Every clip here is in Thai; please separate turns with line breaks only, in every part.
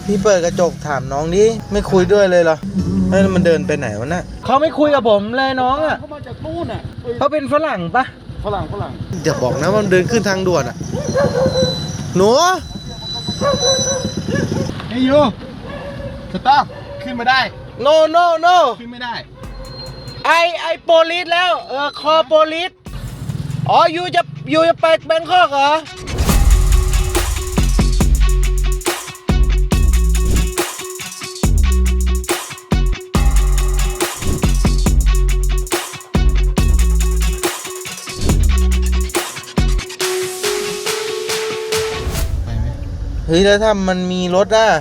พี่เปิดกระจกถามน้องดิไม่คุยด้วยเลยเหรอแล้วมันเดินไปไหนวะน่ะเขาไม่คุยกับผมเลยน้องอ่ะ
เขามาจากนู่นอ่ะ
เขาเป็นฝรั่งปะ
ฝรั่ง
อย่าบอกนะมันเดินขึ้นทางด่วนอ่ะหนู
เฮ้ยยูสต๊อปขึ้นมาได้
no no no
ขึ้นไม่ได้
ไอโปลิสแล้วคอโปลิสอ๋อยูจะไปแบงคอกเหรอเฮ้ยแล้วถ้ามันมีรถอ่ะ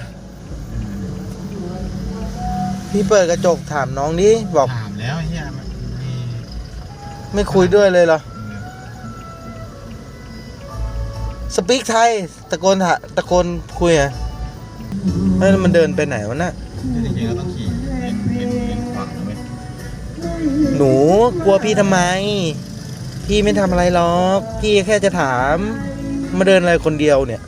พี่เปิดกระจกถามน้องดิบอก
ถามแล้วเฮียมัน
ไม่คุยด้วยเลยเหรอสปีกไทยตะโกนคุยอ่ะแล้วมันเดินไปไหนวะน่ะ
จริงๆเราต้องขี่เป็นขวาไหม
หนูกลัวพี่ทำไมพี่ไม่ทำอะไรหรอกพี่แค่จะถามมาเดินอะไรคนเดียวเนี่ย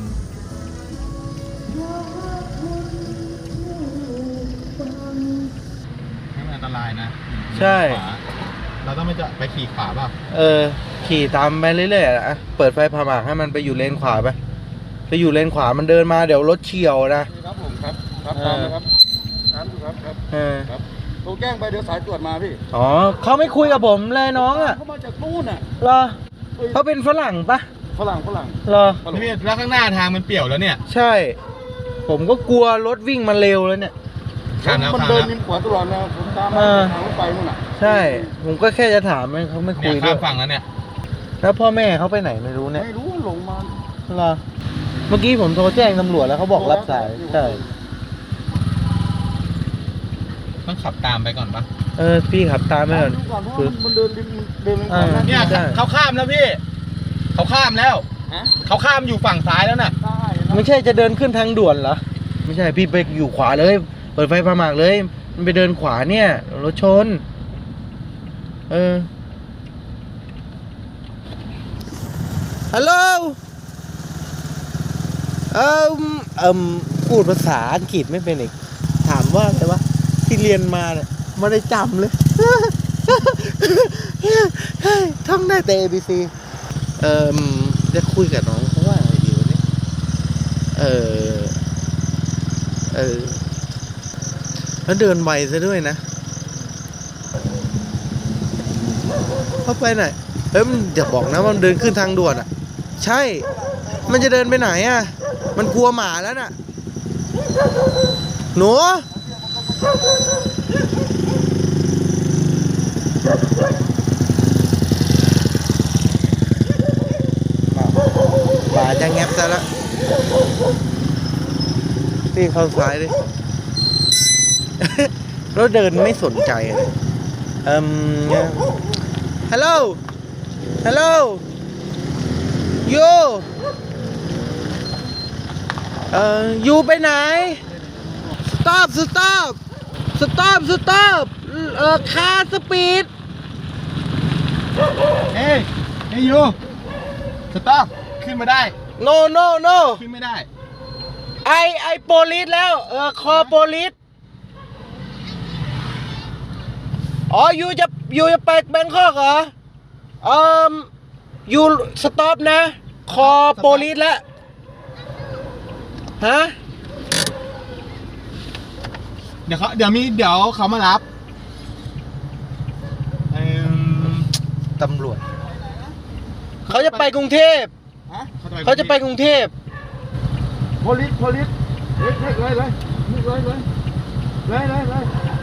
อันตรายนะ
ใช่
เราต้องไปขี่ขวาป่ะ
ขี่ตามไปเรื่อยๆอะเปิดไฟผ่าหมากให้มันไปอยู่เลนขวาไปอยู่เลนขวามันเดินมาเดี๋ยวรถเฉี่ยวนะครับ
ผมครับตามนะครับครับโทรแจ้งไปเดี๋ยวสายตรวจมาพี่
อ๋อเขาไม่คุยกับผมเลยน้องอ่ะ
เขามาจากนู่นอ่ะ
เหรอเขาเป็นฝรั่งปะ
ฝรั่ง
เหรอ
พี่แล้วข้างหน้าทางมันเปี่ยวแล้วเนี่ย
ใช่ผมก็กลัวรถวิ่งมาเร็วแล้วเนี่ย
มันเดินริมขวาตลอดนะผมตามทางรถไฟนู่นน่ะ
ใช่ผมก็แค่จะถามเขาไม่คุยด้วย
ข้ามฝั่งแล้วเนี่ย
แล้วพ่อแม่เขาไปไหนไม่รู้เนี่ย
ไม่รู้หลงมา
เหรอเมื่อกี้ผมโทรแจ้งตำรวจแล้วเขาบอกรับสายใช่
ต้องขับตามไปก่อนปะ
พี่ขับตามไปก่อน
คือมันเดินเนี่ยเขาข้ามแล้วพี่เขาข้ามแล้วเขาข้ามอยู่ฝั่งซ้ายแล้วน่ะ
ไม่ใช่จะเดินขึ้นทางด่วนเหรอไม่ใช่พี่ไปอยู่ขวาเลยเปิดไฟผ่าหมากเลยมันไปเดินขวาเนี่ยรถชนฮัลโหลพูดภาษาอังกฤษไม่เป็นอีกถามว่าอะไรวะที่เรียนมาเนี่ยไม่ได้จำเลยท่องได้แต่ ABC จะคุยกับน้องเขาว่าอะไรดีวะเนี่ยแล้วเดินไวซะด้วยนะเข้าไปไหนมันอย่าบอกนะมันเดินขึ้นทางด่วนอ่ะใช่มันจะเดินไปไหนอ่ะมันกลัวหมาแล้วน่ะหนูหมาจะแงบซะแล้วพี่เข้าซ้ายดิแล้วเดินไม่สนใจเลยฮัลโหลยูไปไหนสต็อปคาสปีด
เฮ้ยยูสต๊อปขึ้นมาได้
no
ขึ้นไม่ได้
ไอโปลิสแล้วคอโปลิสอ๋อยูจะไปแบงคอกเหรอยูสต็อปนะคอโปลิสแล้วฮะ
เดี๋ยวเขามารับ
ตำรวจเขาจะไปกรุงเทพเขาจะไปกรุงเทพ
โพลิสเลย